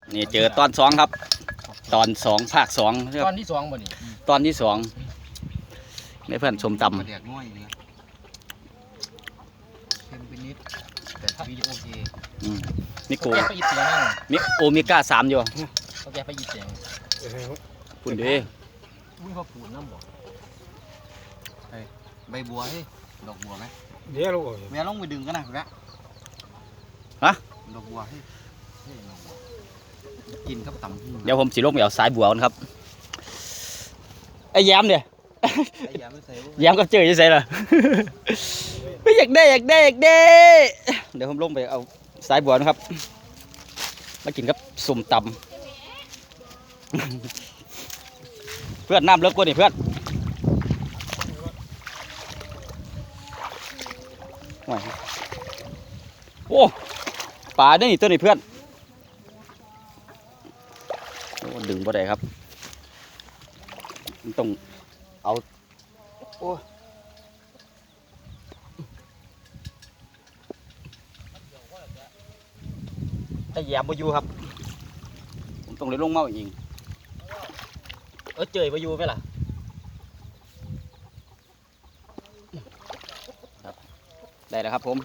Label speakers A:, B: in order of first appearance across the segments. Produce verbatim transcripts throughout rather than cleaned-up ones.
A: นี่เจอตอนสองครับตอนสองภาคสอง
B: ตอนที่สองบ่นี่
A: ตอนที่สองในเพื่อนชมตำ
C: เด็กน้อยเลยเค็มไปนิดแต่วิดีโอเค
A: มิโก
B: แกไปอีเสียงนั่ง
A: มิโอเมก้าสามอยู่
B: เขาแกไปอีเสียง
A: คุณดี
B: อุ้ยเขาปูนน้ำบ่
C: ใบบัวให้ดอกบัวไหม
D: เดี๋ยวลูก
C: แม่ลงไปดึงกันนะแก
A: ฮะ
C: ดอกบัวให้ดอกบัวกินกับตำ
A: เดี๋ยวผมสิลงไปเอาสายบัวกันครับไอ้แย้มเนี่ย
C: ไอ้ยาไม่ใส่
A: แย้มก็เจอจะใส่ละไม่อยากได้อยากได้อยากได้เดี๋ยวผมลงไปเอาสายบัวนะครับมากินกับสุ่มตำเพื่อนน้ำเลิกกว่านี่เพื่อนโอ้ปลาเนี่ยนี่ตัวนี้เพื่อนโอ้ดึงบ่ได้ครับต้องเอาโอ้ไอ้แยมบ่อยู่ครับผมต้องเลยลงเมาอีกเออเจยบ่อยู่ไหมล่ะครับได้แล้วครับผม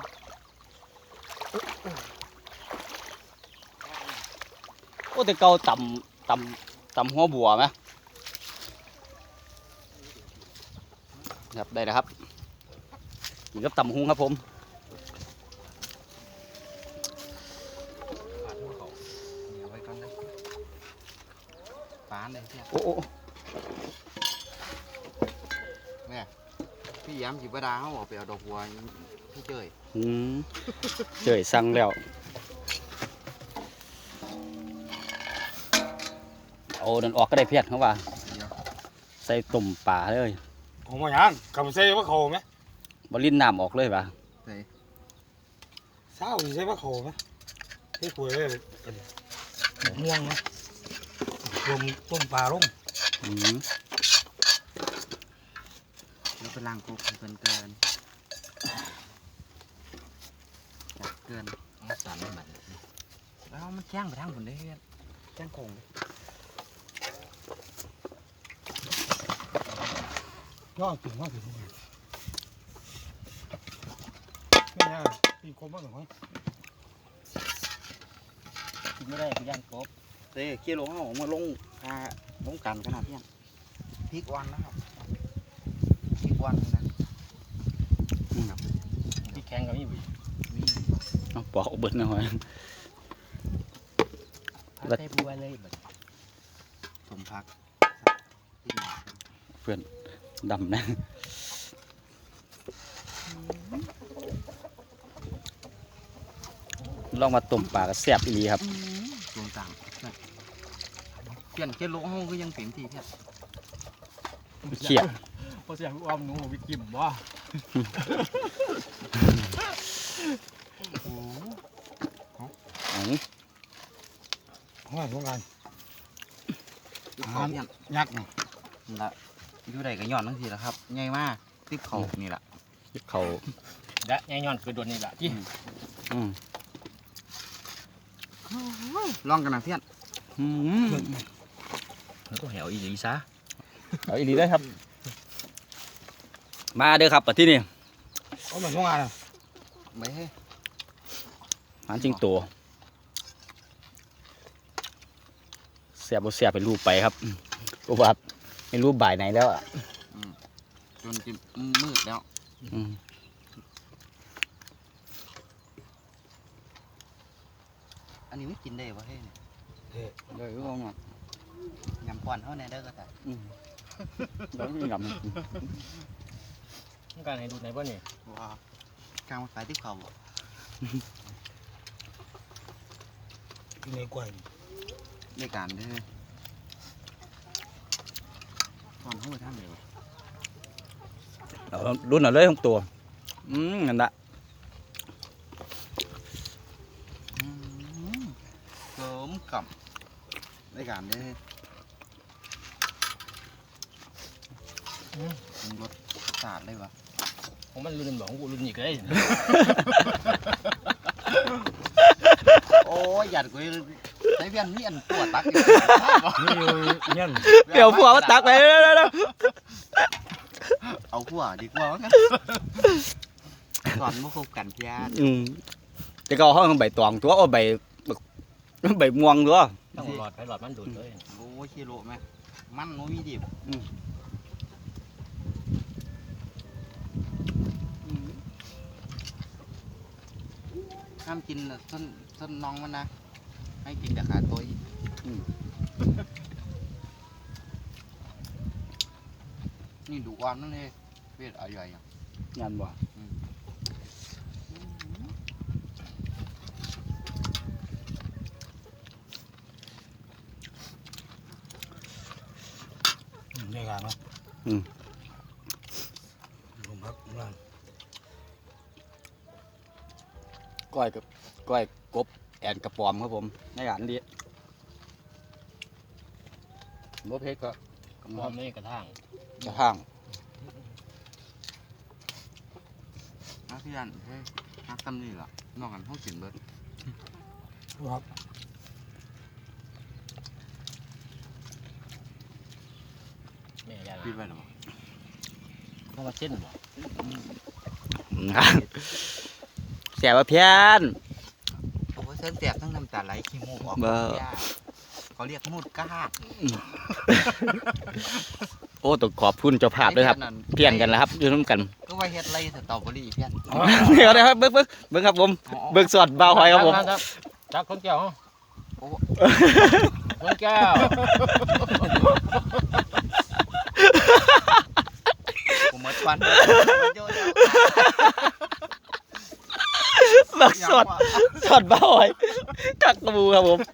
A: โอ้แต่เก่าต่ำต่ำต่ำหัวบัวไหมครับได้แล้วครับนี่ก็ต่ำหุงครับผม
C: ไว้ก่อนนะปานเลยเพี่ย
A: โอ้โอ้
C: เนี่ยพี่ย้ำจีบดาเขาบอกไปเอาดอกบัวพี่เจย
A: อืมเจยสั่งแล้วโอ้นั่นออกก็ได้เพียรเขาว่าใส่ตุ่มป่าเลย
D: ผมมาอย่างคำใส่ว่าเขาไหม
A: บลิ้นน้ำออกเลยป่ะ
D: เศร้าใส่ว่าเขาไหมที่คุยเลยม่วงนะรวมต้มปลาลง
A: อืม
C: แล้วเป็นล่างกุ๊กเกินเกินจัดเกิน
B: มันสั่นมัน
C: แล้วมันแจ้งไปทางผลได้แจ้งคง
D: ย่อถึงย่อถึงไม่ยากปีกบบ้างหรือไม่
A: กินไม่ได้คือย่างกบ
C: เต้เกี่ยวลงเอามาลงพาลงกันขนาดนี้พริกวันนะครับพริกวันนะ
B: พี่แข็งกับนี่บุ๋ย
A: เอาปอกเบิดหน่อย
B: ใส่บัวเลยแบบ
C: สมพัก
A: เพื่อนดำนะลองมาต้มปลากระแซบอีครับ
C: รวมต่างเปลี่ยนเกี่ยวลงห้องก็ยังเต็มที่เพี้ย
A: เขียด
B: พอเสียงอ้อมหนูวิกิมบ่
C: โอ้
A: อ๋อ
D: ห้อยสงการ
C: เขาเพี้ยน
D: ยักษ์นะ
C: ละอยู่ใดก็ย้อนทั้งทีละครับใหญ่มากติ๊บเขานี่แหละ
A: เขา
B: และแง่ย้อนคือโดนนี่แหละที่
A: อืม
C: ลองกันนะเพี้ยน
A: อืม
B: มันก็แหวอีหลีซะ
A: เอาอีหลีได้ครับ มาเด้อครับปัดที่นี่
D: เอาเหมือนสงการอ่ะ
C: ไม่ให้
A: หานจริงตัวเสียบเสียบเป็นรูปไปครับเพราะว่าไม่รู้บ่ายไหนแล้วอ่ะ
C: จนจะมืดแล้ว
A: อืม
C: อันนี้ไม่กินได้ปะเฮ้ย
A: เลยก็งอ
C: ยำก่อนเท่านั้นเด้อก็แต่
A: อืมแล้วไม่งำ
B: ต้องการให้ดูไหนบ้างนี่
C: ว้าวกลางมาขายติ๊บเขาบ่
D: อยู่ในกล้วย
C: ในการเด้อตอนเขาไปทำเลยวะ
A: เอารุ่นเอาเลยของตัวอืมนั่นละ
C: เกิมกับในการเด้อรสสาดเลยวะ
B: ของมันรุ่นบอกของกูรุ่นอีกเลย
C: โอ้ยหยัดกูเลยใส่เพี้ยนนี่อันปวดตัก
D: นี่อยู่เนี่ย
A: เดี๋ยวผัวมาตักไปแล้ว
C: เอาผัวดีกว่างั้นสอนมาคบกันเพี้ยน
A: อืมจะก็ห้องใบตองตัวเอาใบใบม่วงตัว
B: ต้องหลอดไปหลอดมันดูดเลย
C: โอ้ชิโร่ไหมมันโนมีดิบห้ามกินส้นส้นน้องมันนะให้กินแต่ขาตัวอีกนี่ดูอ่อนนั่นเลยเวทอะไรอย่าง
A: งานบ่
D: ในงานเนาะลงพักงาน
A: ก้อยกับก้อยกบแอนกระปอมครับผมในงานนี้บ่เพชรก็
B: กระเพาะไม่กระทั่ง
A: กระทั่ง
C: นักที่ยันเฮ้ยนักตั้มนี่เหรอนอกกันห้องกินเบิร์ด
D: ครับ
B: แม่ยา
C: ปีไปหรอ
B: เพราะว่าเส้นบ่
A: เสียว่าเพี้ยน
C: โอ้เส้นแตกทั้งน้ำตาไหลขี้มูกออกเขาเรียกมูดก้า
A: โอ้ต้องขอบคุณเจ้าภาพด้วยครับเพี้ยนกันแล้วครับอยู่ร่วมกัน
C: ก็ว่าเฮ็ดไรสตรอเบอรี่เพี้ยน
A: เดี๋ยวนะครับเบิ้งเบิ้งเบิ้งครับผมเบิ้งสดเบาหอยครับผม
B: จับคนแก้วคนแก้ว
C: ผมหมดฟัน
A: บักสดสดเบาหอยกักกระบูครับผม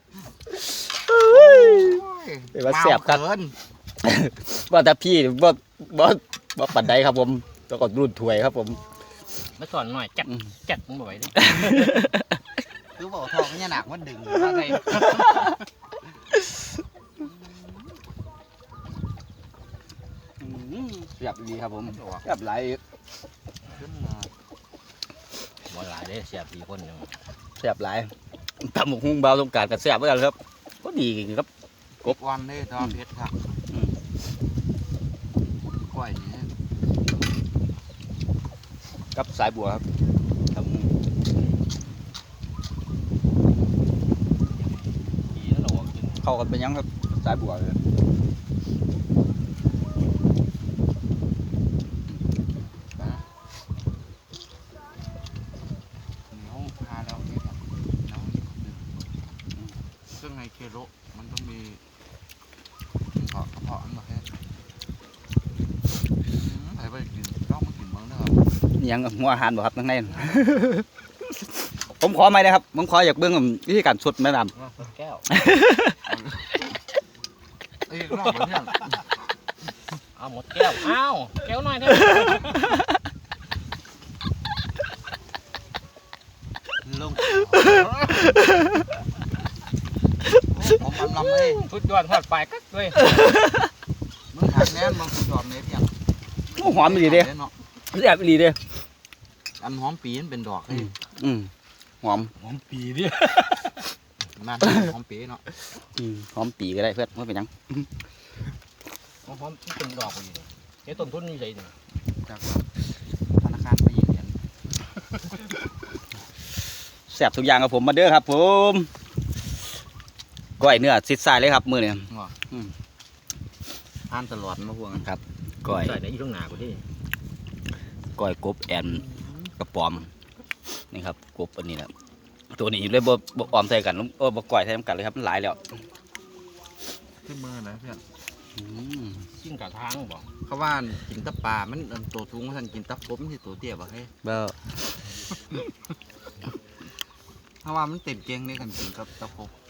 A: เป็นว่าแซ่บครับว่าแต่พี่บ่บ่บ่ปัดใดครับผมแล้วก็รุ่นถวยครับผม
B: มาสอนหน่อยจัดจัดมึงบ่อยดิ
C: คือบอกทองเนี่ยหนักมันดึงอะไร
A: เสียบดีครับผมเสียบไหล
C: ขึ้นมา
B: บ่หลายเด้เสียบสี่คนนึง
A: เสียบไหลตำหมกหุ้งเบาตรงกลางกับเสียบเหมือนกันครับก็ดีจริงครับ
C: กบวันเลยตอนเพชรครับกล้วยนี่
A: กับสายบัวครับทำ
B: ปีนั้นเรากิน
A: เข้ากันเป็นยังครับสายบัวเลย
C: น้องพาเราเนี่ยครับน้องซึ่งในเคโรมันต้องมีกระเพาะกระเพาะอันแบบนี้ใครไปกินต้องมากินบ้างนะครับ
A: นี่ยังหัวอาหารบ่ครับทั้งใน ผมขอไม่นะครับผมขออยากเบื้องวิธีการสดแม่น้
B: คนแก้ว
C: เอ้ยรอบเพื่อน
B: เอาหมดแก้วอ้าวแก้วหน่อยเถอะ
C: ลงผมมันลำเลย
B: สุดยอดทอดปลายกักเลย
C: มึงหักแน่นมึงยอมเลยเพียง
A: ำหอมดีเด้แซ่บดีเด้
C: อันหอมปีนเป็นดอกเลย
A: อืมหอม
D: หอมปีดิ
C: มาหอมปีเนาะ
A: อืมหอมปีก็ได้เพื่อนไม่เป็นหยัง
B: หอมๆเป็นดอกอยู่เดี๋ยวต้นทุนอยู่ใส่นี่
C: จากธนาคารไปยิงเห็น
A: แซ่บทุกอย่างครับผมมาเด้อครับผมก้อยเนื้อซิดซ้ายเลยครับมือเนี่ย
C: ทานตลอดมาพวงกัน
A: ครับก้อย
B: ใส่ในอยู่ข้างหน้ากูที่
A: ก้อยกบแอนกระป๋อมนี่ครับกบอันนี้แหละตัวนี้เลยบ่บ่ออมใส่กันเออบ่ก้อยใส่กันเลยครับมันหลายแล้ว
C: ขึ้นมือนะเพื่อน
A: อืม
B: กินกะทางบ่
C: เขาว่ากินตะปลามันตัวสูงท่านกินตะกบมันที่ตัวเตี้ยบ่ให้
A: เบ้อ
C: เพราะว่ามันเต็มเกงในกันกินกับตะกบ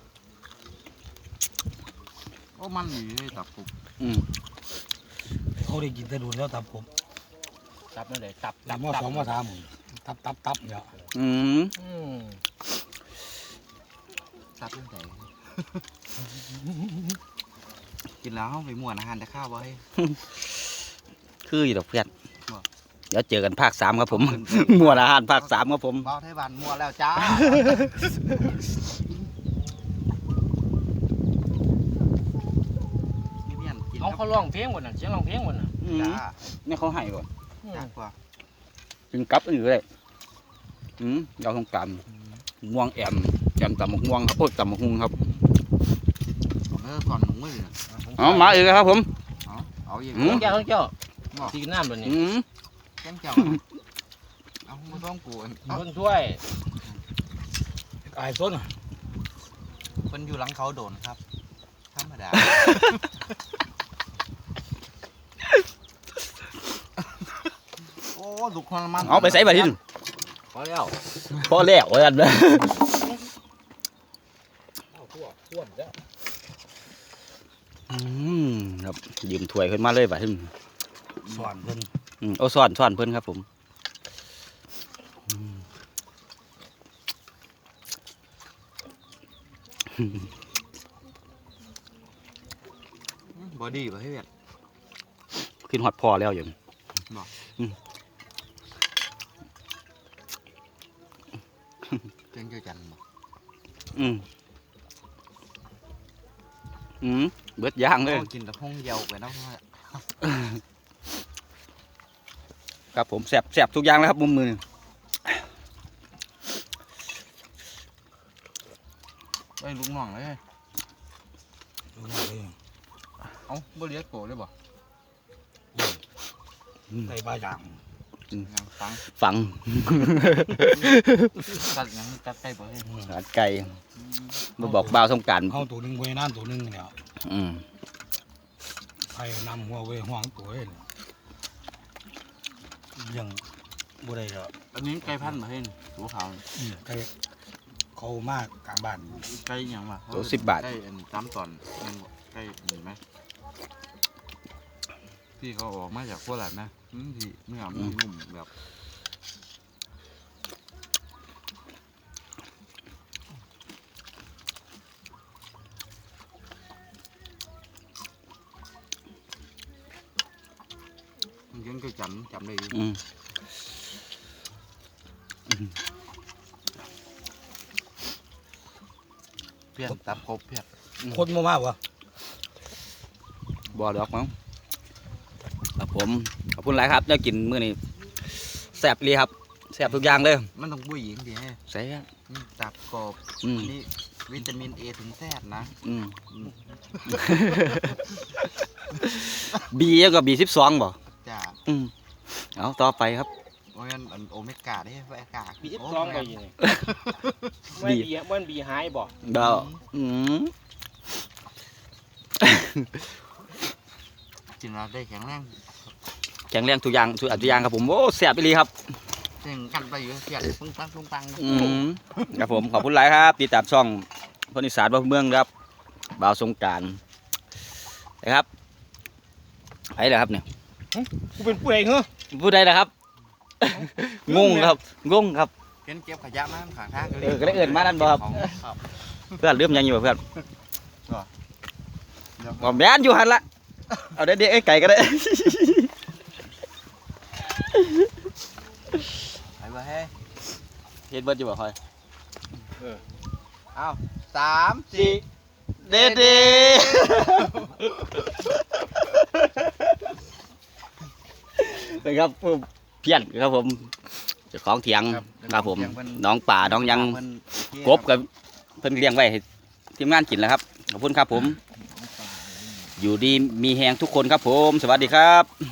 C: โอ้มันดีเลยตะกบ
A: อืม
D: เขาได้กินแต่ดูแล้วตับผม
B: ตับนั่นเลยตับ
D: ตั
B: ตั
D: บบ มาสองมาสามตับตับตับเนี่ย
A: อืม
B: อืม
C: ตับตั้งแต่ กินแล้วเขาไปม่วนอาหารแต่ข้าวบ่ให้
A: คืออยู่ดอกเพื่อน
C: บ่
A: เดี๋ยวเจอกันภาคสามครับผม หมวดอาหารภาคสามครับผม
C: เบาไทยบ้านมัวแล้วจ้า
B: เอาเขาร้องเพลงหมดน่ะเสียงร้องเพลงหมดน่ะ
A: อืม
C: จ้า
A: นี่เขาให้บ่
B: อืม
C: จ้ากว่า
A: กินกับอื่นเลยอืมเราต้องการม่วงแอมแอมตำบักม่วงครับโอ้ยตำบักฮุงครับ
C: เออก่อนหมูมือ
A: เอามาอีกแล้วครับผม
C: เอาเอาอีก
A: อืม
B: แก้วแก้ว
C: บอก
B: ตีน้ำตัวนี้
A: อืม
C: แก้มเจ้าเอาไม่ต้องกูเอา
B: คนถ้วย
D: ไอ้ส้น
C: เป็นอยู่หลังเขาโดนครับธรรมดาโอ้ลูกคนมัน
A: เอาไปใส่บัตรทิน
B: พอแล้ว
A: พอแล้วว่ากันนะ
B: เอาทั่วทั่วแล้ว
A: อืมครับยืมถ้วยขึ้นมาเลยบัตรทิน
D: สอนเพิ่น
A: อืมเอาซ่อนซ่อนเพิ่นครับผมอืม
C: บอดี้ป่ะเฮ้ย
A: ขึ้นฮอดพอแล้วอยู่
C: เจ้าเจ้าจันบอก
A: อืมอืมเบิดย่างเลย
C: กินแต่ห้องเยาไปเนาะ
A: ครับผมแสบแสบทุกอย่างแล้วครับมุมมือ
C: ไอ้ลูกน้องเลย
D: ดูหน่อยเลย
C: เอาบ่เลี้ยงโตเลยบ่
D: ใส่บาอย่าง
C: ยังฟัง
A: ฝัง
C: ตัดยังตัดไปบ่เฮ้ย
A: สาดไก่มาบอกบ่าวสงกราร
D: เอาตัวหนึงไว้นั่นตัวหนึงเนี่ย
A: อืม
D: ใครนำหัวไว้ห่วงตัวเองยังบ่ได้แล้ว
C: อันนี้ไก่พันธุ์บ่เฮ้ยตัวขาว
D: ใครเขามากกลางบ้าน
C: ไก่ยังวะ
A: ตัวสิบบาท
C: ไก่อันตามตอนยังไก่มีไหมที่เขาออกมาจากโคราชนะอืมที่เนื้อมันนุ่มแบบมันยังก็จำจำได้อยู่
A: อืม
C: เพี้ยนตับครบเพี้ยน
D: คนมามากวะ
A: บ่ดอกมั้งครับผมขอบคุณหลายครับได้กินมื้อนี้แสบเลยครับแสบทุกอย่างเลย
C: มันต้องบุ้ยหญิงดิฮะ
A: ใส่
C: อืมตับกรอบ
A: อืม
C: นี่วิตามินเอถึงแซดนะ
A: อืม บีแล้วก็บีสิบสองบ่
C: จ้า
A: อืมเอาต่อไปครับ
C: โอ้ยอันโอเมก้าได้โอเมก้า
B: บีบซองไปอยังไงมันบีมันบีหายบ่
A: ดาวอืม
C: กินแล้วได้แข็งแรง
A: แข็งแรงทุกอย่างทุกอย่างครับผมโอ้แสบไปเลยครับ
C: เก่งกันไปอยู่เพี้ยนปึ้งปังปึ้งปัง
A: อืมครับผมขอบคุณหลายครับติดตามช่องคนอีสานบ้านเมืองครับบ่าวสงกรารนะครับไอ้เหรอครับเนี่ย
B: กูเป็นผู้ใดเหรอ
A: ผู้ใดนะครับ งงครับงงครับ
C: เห็นเก็บขยะมาข้างทาง
A: เออก็ได้เอิ้นมานั่นบ่ครับ
C: ครับ
A: เพื่อนเริ่มยังอยู่บ่เพื่อน
C: เดี๋ยว
A: บ่แม่นอยู่หันละเอาเด็กๆไอ้ไก่ก็ได้
C: ไปบ่เฮ้ย
A: เฮ็ดเบิดอยู่บ่ค่อย
C: เอาสามสี่
A: เด็ดๆนะครับผู้เพี้ยนครับผมเจ้าของเถียงครับผมน้องป่าน้องยัง
C: มัน
A: กบกับเพิ่นเลี้ยงไว้ให้ทีมงานกินแล้วครับขอบคุณครับผม อยู่ดีมีแหงทุกคนครับผม สวัสดีครับ